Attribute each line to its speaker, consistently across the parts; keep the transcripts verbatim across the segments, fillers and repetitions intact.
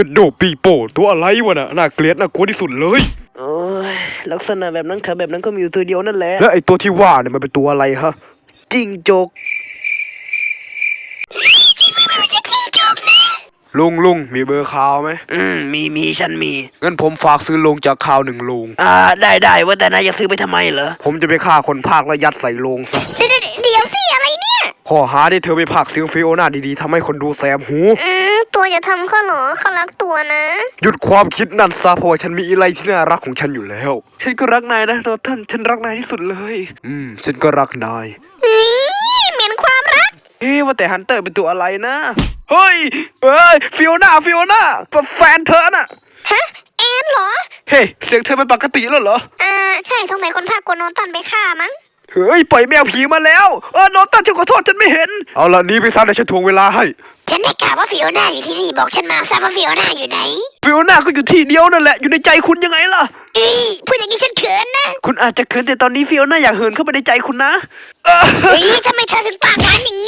Speaker 1: โดปีโป้ตัวอะไรวะน่ะน่าเกลียดน่ากลัวที่สุดเลย
Speaker 2: โอ้ยลักษณะแบบนั้นขาแบบนั้นก็มีอยู่ตัวเดียวนั่นแหละ
Speaker 1: แล้วไอ้ตัวที่ว่าเนี่ยมันเป็นตัวอะไรฮะ
Speaker 2: จิ้งจก
Speaker 1: ลุงลุงมีเบอร์ข่าวไหม
Speaker 2: อืมมีมีฉันมี
Speaker 1: งั้นผมฝากซื้อโลงจากข่าวหนึ่งโลง
Speaker 2: อ่าได้ได้ว่าแต่นายจะซื้อไปทำไมเหรอ
Speaker 1: ผมจะไปฆ่าคนภาคแล้วยัดใส่โลงซะ
Speaker 3: เดี๋ยวเดี๋ยวสิอะไรเนี่ย
Speaker 1: ข้อหาที่เธอไปภาคเสียงฟิโอน่าดีๆทำให้คนดูแสบหู
Speaker 3: อืมตัวอย่าทำเขาหรอเขารักตัวนะ
Speaker 1: หยุดความคิดนั่นซะเพราะว่าฉันมีอะไรที่น่ารักของฉันอยู่แล้ว
Speaker 2: ฉันก็รักนายนะโนท่านฉันรักนายที่สุดเลย
Speaker 1: อืมฉันก็รักนาย
Speaker 3: เหม็นความรัก
Speaker 2: เอ๊ะว่าแต่ฮันเตอร์เป็นตัวอะไรนะเฮ้ยเฮ้ยฟิโอน่าฟิโอน่าแฟนเธอน่ะ
Speaker 3: ฮะแอนเหรอ
Speaker 2: เฮ้ยเสียงเธอเป็นปกติแล้วเหรอ
Speaker 3: อ่าใช่สงสัยคนภาคกวนโนตันไปฆ่ามั้ง
Speaker 2: เฮ้ยปล่อยแมวผีมาแล้วเออโนตันฉันขอโทษฉันไม่เห็น
Speaker 1: เอาละนี้ไปซะเดี๋ยวฉันทวงเวลาให้
Speaker 3: ฉันได้ข่าวว่าฟิโอน่าอยู่ที่นี่บอกฉันมาทราบว่าฟิโอน่าอยู่ไหน
Speaker 2: ฟิโอน่าก็อยู่ที่เดียวนั่นแหละอยู่ในใจคุณยังไงล่ะ
Speaker 3: เอ้ยพูดอย่างนี้ฉันเขินนะ
Speaker 2: คุณอาจจะเขินแต่ตอนนี้ฟิโอน่าอยากเหินเข้าไปในใจคุณนะ
Speaker 3: เฮ้ยทำไมเธอถึงปากหวานอย่างนี้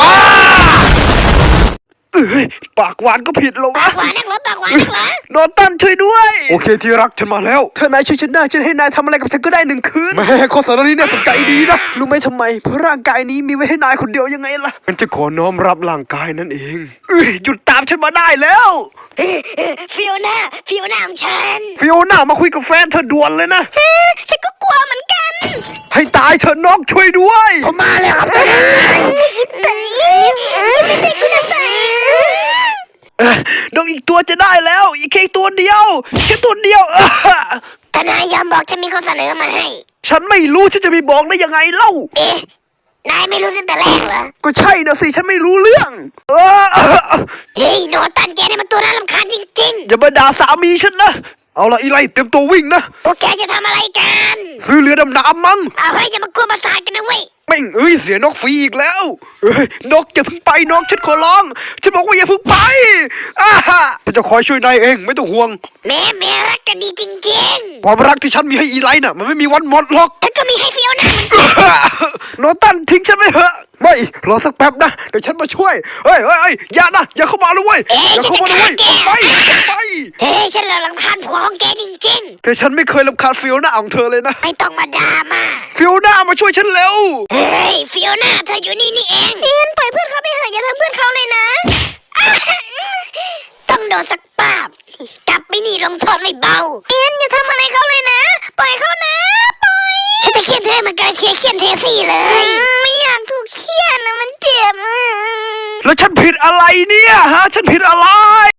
Speaker 2: เอ้ยปากหวานก็ผิดหรอวะ
Speaker 3: ปากหวานนักเหรอปากหวานนักเหรอ
Speaker 2: โนตันช่วยด้วย
Speaker 1: โอเคที่รักฉันมาแล้ว
Speaker 2: เธอนายช่วยฉันได้ฉันให้นายทำอะไรกับฉันก็ได้หนึ่งคืน
Speaker 1: แม่ข้อสารนี้เนี่ยสนใจดีนะ
Speaker 2: รู้ไหมทำไมเพราะร่างกายนี้มีไว้ให้นายคนเดียวยังไงล่ะ
Speaker 1: มันจะขอน้อมรับร่างกายนั่นเอง
Speaker 2: เอ้ยหยุดตามฉันมาได้แล้ว
Speaker 3: ฟิโอน่าฟิโอน่าของฉัน
Speaker 2: ฟิโอน่ามาคุยกับแฟนเธอด่วนเลยนะ
Speaker 3: ฉันก็กลัวเหมือนกัน
Speaker 2: ให้ตายเธอนกช่วยด้วย
Speaker 3: ผมมาแล้วครับเต้ไม่ได้คุณใส่
Speaker 2: นกอีกตัวจะได้แล้วอีกแค่ตัวเดียวแค่ตัวเดียว
Speaker 3: ทนายยอมบอกฉันมีข้อเสนอมาให้
Speaker 2: ฉันไม่รู้ฉันจะไปบอกได้ยังไงเล่า
Speaker 3: เอ๊ะนายไม่รู้ตั้งแต่แรกเหรอ
Speaker 2: ก็ใช่นะสิฉันไม่รู้เรื่องเออ
Speaker 3: เฮ้ยโนตันแกนี่มันตัวน่ารำคาญจริงๆ
Speaker 2: อย่ามาด่าสามีฉันนะเอาละอีไลเตรียมตัววิ่งนะ
Speaker 3: พวกแกจะทำอะไรกัน
Speaker 2: ซื้อเรือดำน้ำมั้ง
Speaker 3: เอาให้อย่ามากลัวประสาทกันนะเว้ย
Speaker 2: แม่งเอ้ยเสียนกฟรีอีกแล้วเอ้ยนกอย่าเพิ่งไปนกฉันขอร้องฉันบอกว่าอย่าเพิ่งไปอ้าฉันจะคอยช่วยนายเองไม่ต้องห่วง
Speaker 3: แม่แม่รักกันดีจริง
Speaker 2: ๆความรักที่ฉันมีให้อีไลน่ะมันไม่มีวันหมดหรอก
Speaker 3: ฉันก็มีให้ฟิโอน่า
Speaker 2: โนตันทิ้งฉันไปเถอะไม่รอสักแป๊บนะเดี๋ยวฉันมาช่วยเฮ้ยเฮ้ยอย่านะอย่าเข้ามาเลยเว้ยอย่าเข้ามาเลยเว้ยไปไป
Speaker 3: เฮ้ยฉันรำคาญผัวของแกจริง
Speaker 2: ๆแต่ฉันไม่เคยรำคาญฟิโอน่าของเธอเลยนะ
Speaker 3: ไม่ต้องมาด่ามา
Speaker 2: ฟิโอน่ามาช่วยฉันเร็ว
Speaker 3: เฮ้ยฟิโอน่าเธออยู่นี่นี่เองเอ็นปล่อยเพื่อนเขาไปเถอะอย่าทำเพื่อนเขาเลยนะต้องโดนสักปาบกลับไปนี่ลงโทษไม่เบาเอ็นอย่าทำอะไรเขาเลยนะปล่อยเขานะปล่อยฉันจะเคี่ยนเธอเหมือนกันเคี่ยนเคี่ยนเทซี่เลยไม่อยากถูกเคี่ยนนะมันเจ็บ
Speaker 2: แล้วฉันผิดอะไรเนี่ยฮะฉันผิดอะไร